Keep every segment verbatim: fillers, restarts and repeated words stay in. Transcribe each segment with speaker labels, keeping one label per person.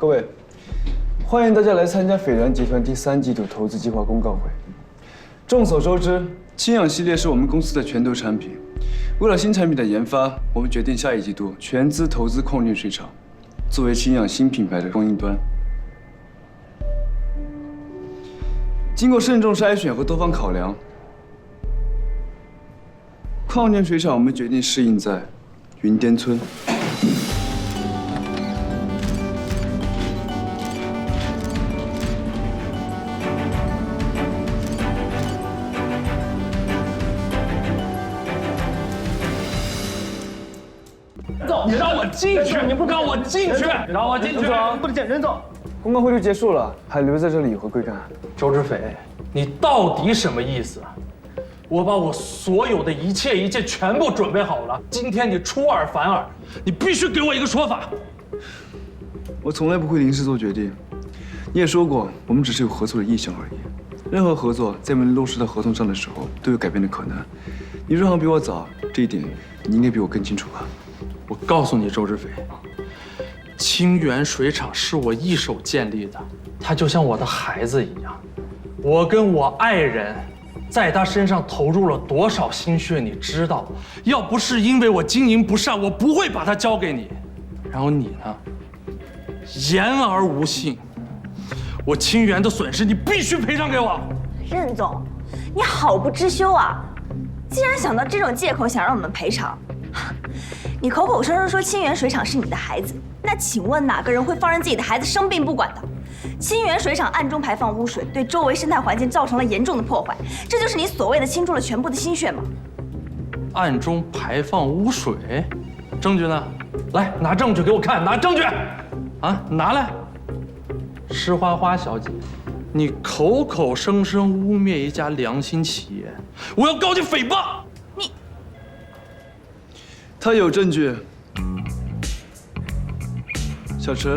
Speaker 1: 各位，欢迎大家来参加斐然集团第三季度投资计划公告会。众所周知，氢氧系列是我们公司的拳头产品。为了新产品的研发，我们决定下一季度全资投资矿炼水厂，作为氢氧新品牌的供应端。经过慎重筛选和多方考量，矿炼水厂我们决定试印在云巅村。
Speaker 2: 你让我进去！你不让我进去！让我进去！
Speaker 1: 不能见人走。公告会就结束了，还留在这里有何贵干？
Speaker 2: 周志斐，你到底什么意思？我把我所有的一切一切全部准备好了，今天你出尔反尔，你必须给我一个说法。
Speaker 1: 我从来不会临时做决定。你也说过，我们只是有合作的意向而已。任何合作在我们落实到合同上的时候都有改变的可能。你入行比我早，这一点你应该比我更清楚吧？
Speaker 2: 我告诉你，周志斐，清源水厂是我一手建立的，它就像我的孩子一样。我跟我爱人在他身上投入了多少心血，你知道？要不是因为我经营不善，我不会把它交给你。然后你呢，言而无信。我清源的损失，你必须赔偿给我。
Speaker 3: 任总，你好不知羞啊！竟然想到这种借口想让我们赔偿。 你口口声声说清源水厂是你的孩子，那请问哪个人会放任自己的孩子生病不管的？清源水厂暗中排放污水，对周围生态环境造成了严重的破坏，这就是你所谓的倾注了全部的心血吗？
Speaker 2: 暗中排放污水，证据呢？来，拿证据给我看，拿证据！啊，拿来！施花花小姐，你口口声声污蔑一家良心企业，我要告你诽谤！
Speaker 1: 他有证据。小池，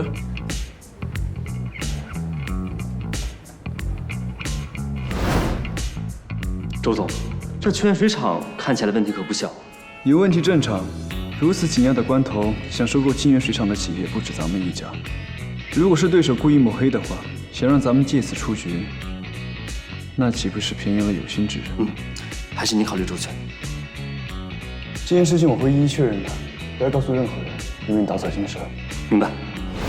Speaker 4: 周总，这清源水厂看起来问题可不小。
Speaker 1: 有问题正常。如此紧要的关头，想收购清源水厂的企业不止咱们一家。如果是对手故意抹黑的话，想让咱们借此出局，那岂不是便宜了有心之人？
Speaker 4: 嗯，还是你考虑周全。
Speaker 1: 这件事情我会一一确认的，不要告诉任何人，以免打草惊蛇。
Speaker 4: 明白。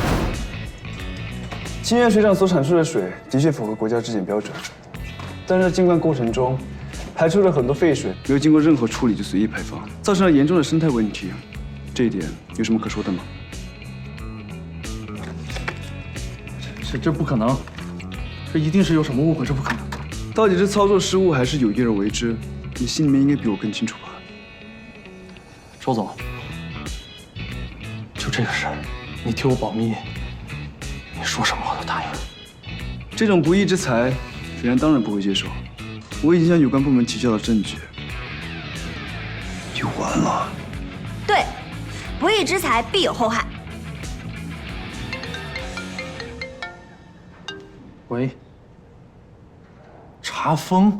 Speaker 1: 清源水厂所产出的水的确符合国家质检标准，但是在进灌过程中排出了很多废水，没有经过任何处理就随意排放，造成了严重的生态问题。这一点有什么可说的吗？
Speaker 2: 这这不可能，这一定是有什么误会，这不可能。
Speaker 1: 到底是操作失误还是有意而为之？你心里面应该比我更清楚吧？
Speaker 2: 周总，就这个事儿，你替我保密，你说什么我都答应。
Speaker 1: 这种不义之财，斐然当然不会接受。我已经向有关部门提交了证据，就完了。
Speaker 3: 对，不义之财必有后害。
Speaker 2: 喂，查封。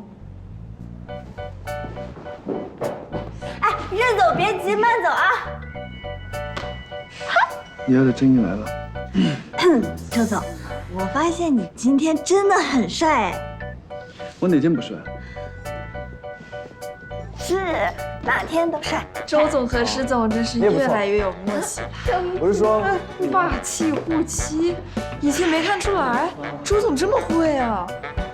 Speaker 3: 任总，别急，慢走啊！
Speaker 1: 你要的真意来了。
Speaker 3: 周总，我发现你今天真的很帅哎。
Speaker 1: 我哪天不帅？
Speaker 3: 是，哪天都帅。
Speaker 5: 周总和施总真是越来越有默契了。
Speaker 1: 我是说，
Speaker 5: 霸气护妻，以前没看出来，周总这么会啊！